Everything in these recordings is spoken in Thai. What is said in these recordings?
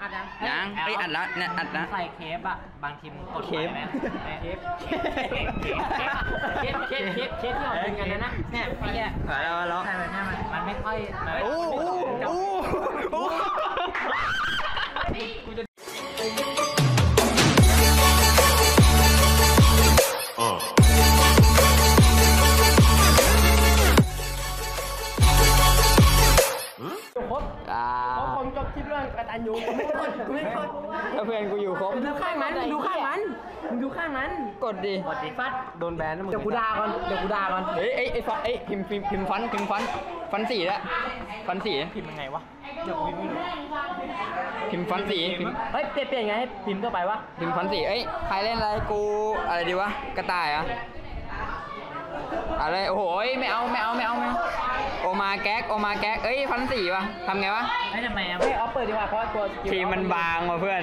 ยังไออัดแล้วเนี่ยอัดนะใส่เคฟอะบางทีมึงกดเคฟที่เราดึงกันนะเนี่ยไอ้เนี่ยแล้วมันไม่ค่อยโอ้ผมจบคลิปเรื่องกตัญญูไม่ถ้าเพื่อนกูอยู่ครบดูข้างมันดูข้างมันกดดิฟัดโดนแบนแล้วมึงเดี๋ยวกูด่าก่อนเฮ้ยไอ้พิมพ์ฟันสีแล้วฟันสีพิมพ์ยังไงวะเดี๋ยวพิมพ์ไม่รู้พิมพ์ฟันสีเฮ้ยเปลี่ยนไงให้พิมพ์เข้าไปวะพิมพ์ฟันสีใครเล่นอะไรกูอะไรดีวะกระต่ายอะอะไรโอ้โหไม่เอาโอมาแก๊กฟันสีวะทำไงวะไม่ทำไมไม่เอาเปิดดีกว่าเพราะตัวทีมันบางว่ะเพื่อน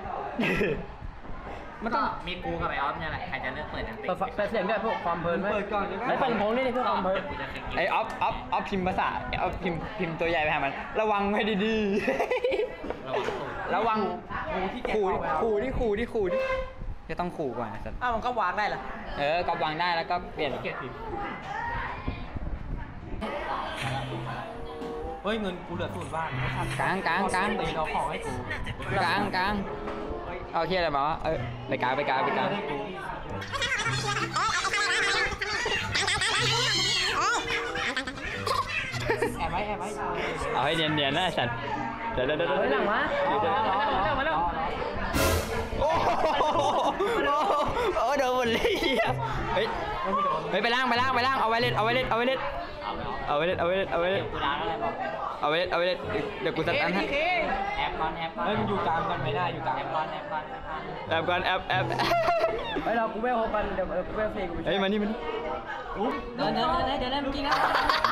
มันต้องมีกูกับไอออฟเนี่ยแหละใครจะเลือกเปิดเปิดเสียงด้วยพวกความเพลินไหมเปิดก่อนไอ้ฟันพงนี่เพื่อความเพลินไอออฟพิมพ์ภาษาออฟพิมพ์ตัวใหญ่ไปหามันระวังให้ดีๆระวังขู่ดิจะต้องขู่ก่อนนะสัตว์มันก็วางได้เหรอก็วางได้แล้วก็เปลี่ยนเฮ้ยเงินกูเหลือ0 บาทกลางตีเราของให้กูกลางเอาเที่ยอะไรมาวะไปกลางแอบไว้เอาให้เนียนนะสัตว์เดี๋ยวหลังวะมาแล้วโอ้โดนหมดเลยเฮ้ยไปล่างเอาไว้เล่นเอาไว้เล่นเดี๋ยวกูจัดการให้แอบก่อนเฮ้ยมันอยู่กลางกันไม่ได้อยู่กลางแอบก่อนเฮ้ยเรากูไม่โฮกันเดี๋ยวกูไม่เฟย์กูเฮ้ยมานี่เดินเมื่อกี้นะ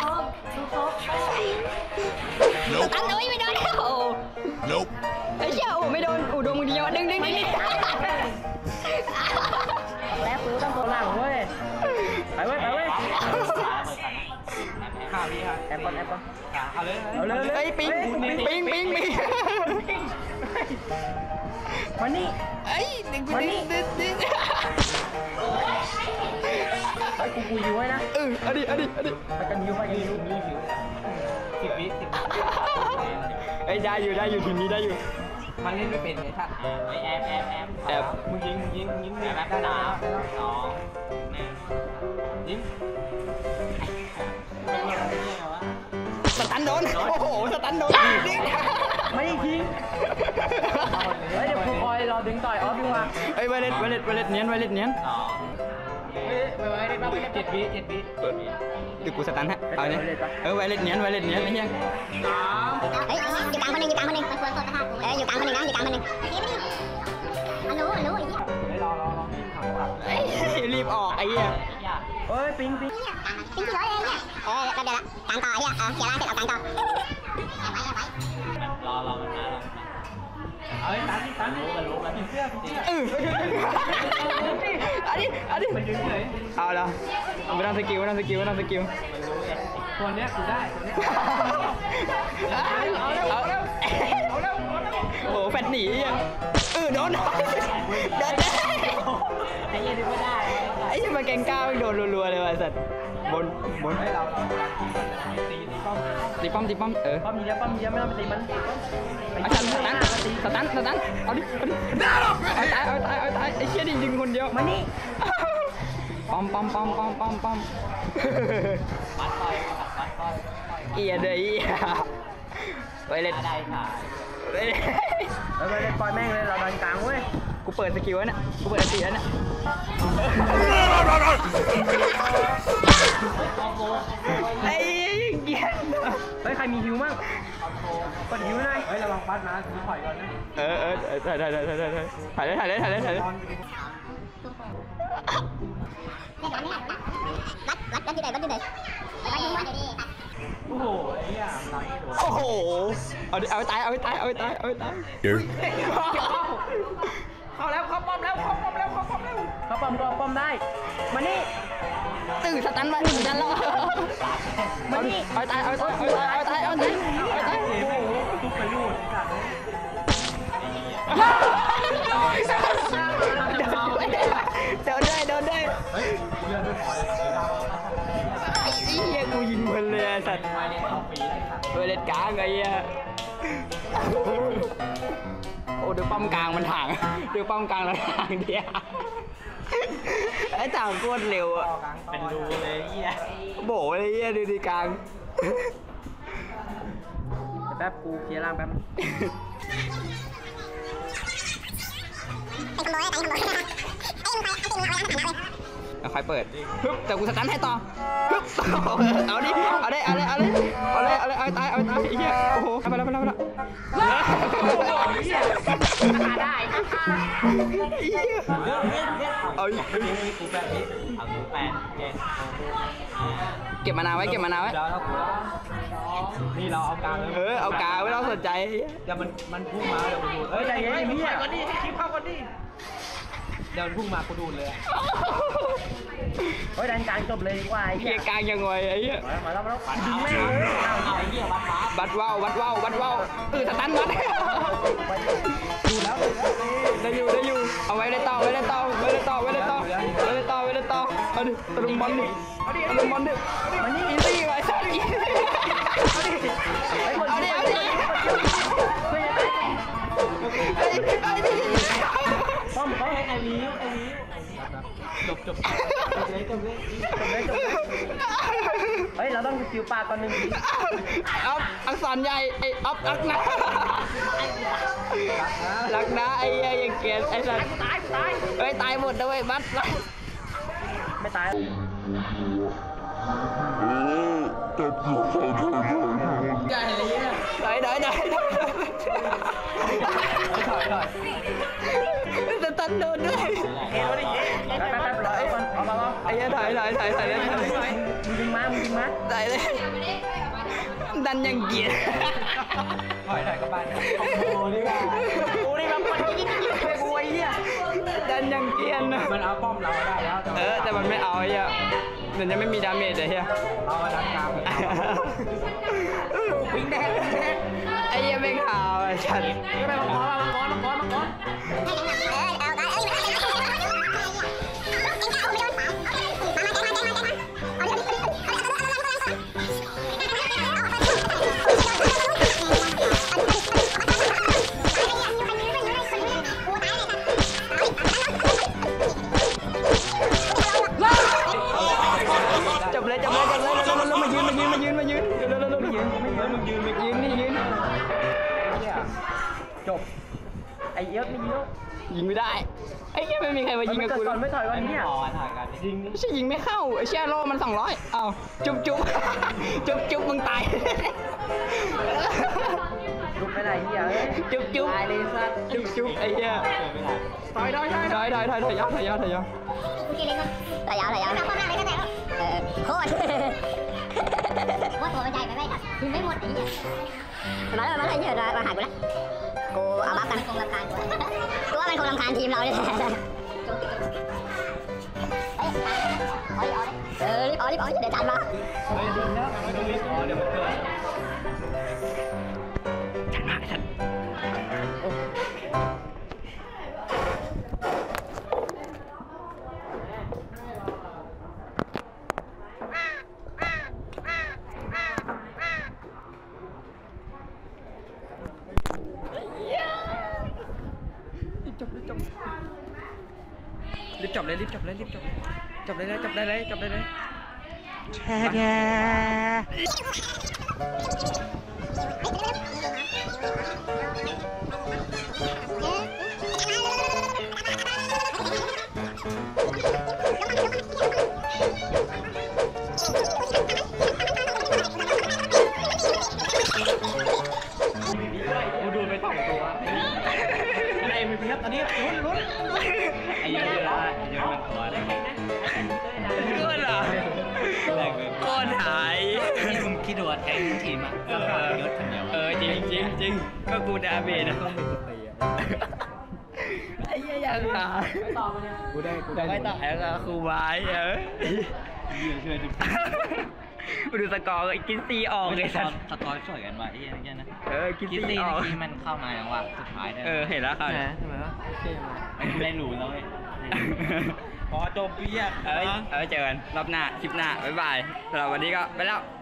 อันนี้ไม่โดนไอ้เชี่ยไม่โดนโดนมือเดียวดึงแล้วกูต้องตัวหลังเว้ยไปเว้ยข่าวดีครับแอปก่อนเอาเลยไอ้ปิงมานี่ไอ้ดึงไอ้กูอยู่ไว้นะเอาดิไปกันอยู่10 วิไอ้ได้อยู่ทีนี้ได้อยู่มันเล่นไม่เป็นไงท่านแอบมึงยิงแอบ3 2 1ยิงสตันโดนโอ้โหสตันโดนไม่ยิงเฮ้ยเดี๋ยวกูคอยรอดึงต่อยออฟดีกว่าไวเลตเนียนไวเลต7 วิเดี๋ยวกูสตันฮะเอาเนี่ยไวเลตเนียนไอ้เหี้ยอยู่กลางคนหนึ่งมันควรกดนะคะอยู่กลางคนหนึ่งมันรู้ไอ้เหี้ยรอรีบออกไอ้เหี้ยเฮ้ยปิงกี่ร้อยเองเนี่ยเดี๋ยวละกลางต่อไอ้เหี้ยเสียร่างเสร็จเอากลางต่อรอมันนะเอ้ยตันรู้กันเสื้ออันนี้มันยืนเฉยเอาแล้วไม่ต้องสกิลตัวเนี้ยกูได้เอาแล้วโอ้แฟนหนีโดนไอ้ยันไม่ได้ไอ้ยันมาแกงก้าวโดนรัวๆเลยว่ะสัตว์บนให้เราตีป้อมป้อมเยอะไม่ต้องไปตีมันสตันเอาดิตายไอ้เชี่ยดิยิงคนเดียวมานี่ป้อมเอียเดย์ไปเล่นได้ค่ะไปเล่นปล่อยแม่งเลยเราดันกลางเว้ยกูเปิดสกิลแล้วเนี่ยกูเปิดตีแล้วเนี่ยไอ้เหี้ยเฮ้ยใครมีฮิวมั่งกดฮิวหน่อยเฮ้ยระวังฟัดนะถือถอยก่อนนะถ่ายเลยวัดอยู่ไหนโอ้โหไอ้ย่าโอ้โหเอาไปตายเข้าแล้วเข้าป้อมแล้วเข้าป้อมได้มานี่ตื่นสตันไว้ดันแล้วมานี่เอาตายทุบไปรูดโดนด้วยไอ้เหี้ยกูยิงมันเลยไอ้สัตว์เวเลตกลางไอ้เหี้ยโอ้ดูป้อมกลางมันถ่างดูป้อมกลางแล้วถ่างเดียวไอ้ถ่างโคตรเร็วอ่ะเป็นรูเลยเหี้ยโบเลยเหี้ยดูดีกลางแป๊บกูเคลียร์ล่างแป๊บค่อยเปิดฮึบแต่กูสตันให้ต่อฮึบเอาดิเอาได้ไอ้เหี้ยโอ้โหไปแล้วได้เอากูแปดเก็บมานาวไว้นี่เราเอากลางเลยเอากลางไม่ต้องสนใจเดี๋ยวมันพุ่งมาเดี๋ยวกูดูใจเย็นพี่ก่อนดิคลิปเข้าก่อนดิเดี๋ยวมันพุ่งมากูดูเลยดันกลางจบเลยดีกว่าไอ้เหี้ยกลางยังไงไอ้เหี้ยมาแล้วดึงแม่เลยเอาไอ้เหี้ยวัดว่าวสตันวัดดูแล้วได้อยู่เอาไว้ได้ต่อเอาดิตะลุมบอลดิมันนี่อีซี่ไว้สัตว์เอาดิป้อมไอ้วิวจบเลยเราต้องคิวปากก่อนหนึ่งทีอักษรใหญ่ไอ้อักนะรักนะไอ้ยังเกลียดไอ้สัตว์ตายตายหมดด้วยบัสไม่ตายจะตันโดนด้วยไอ้ถ่ายมึงดึงมาถ่ายเลยดันยังเกียร์ถ่ายกับบ้านโอ้นี่แบบมันยิงไปกูไอ้เหี้ยดันยังเกียร์นะมันเอาป้อมเราได้แล้วแต่มันไม่เอาไอ้เหี้ยมันยังไม่มีดาเมจเลยเหี้ยเอาดันกลางวิ่งแดงไอ้เหี้ยไม่ข่าวไอ้ฉันไปมังกรจบเลยแล้วมายืนจบไอ้เอิร์ธไม่ยิงไม่ได้ไอ้เหี้ยไม่มีใครมายิงกับกูไม่ถอยก่อนเนี่ยยิงไม่ใช่ยิงไม่เข้าไอ้เชี่ยโลมัน200อ้าวจุ๊บมึงตายลุกไปไหนเหี้ยจุ๊บตายเลยสัตว์จุ๊บไอ้เหี้ยถอยยาวถ่ายยาวโคตรว่าตัวมันใหญ่ไปไหมครับคือไม่หมดไอ้เหี้ยมาแล้วไอ้เหี้ยมาหากูแล้วกูเอาบัฟกันคงรำคาญตัวมันคงรำคาญทีมเราเลยรีบเอาเดี๋ยวจัดมารีบจบเลยแช่กูดูไป2ตัวไอ้มีเพียบตอนนี้ลุ้นไอ้เยอะมันขออะไรก็เหรอก้อนหายมึงคิดว่าแทงทีมอ่ะก็ผ่านยศคนเดียวจริงก็กูดาเมจนะไอ้ยังหาไม่ต่อมาเนี่ยกูได้ไม่ต่อแล้วครูไม้เชื่อดูสกอร์กินซีออกเลยสัตว์สกอร์สวยกันว่ะไอ้เหี้ยนะกินกิซีซี่ออกเมื่อกี้มันเข้ามาแล้วว่ะสุดท้ายได้เห็นแล้วครับทำไมวะโอเคมาได้หรูแล้วเว้ยพอจบเบี้ยเจอกันรอบหน้าคลิปหน้าบ๊ายบายสำหรับวันนี้ก็ไปแล้ว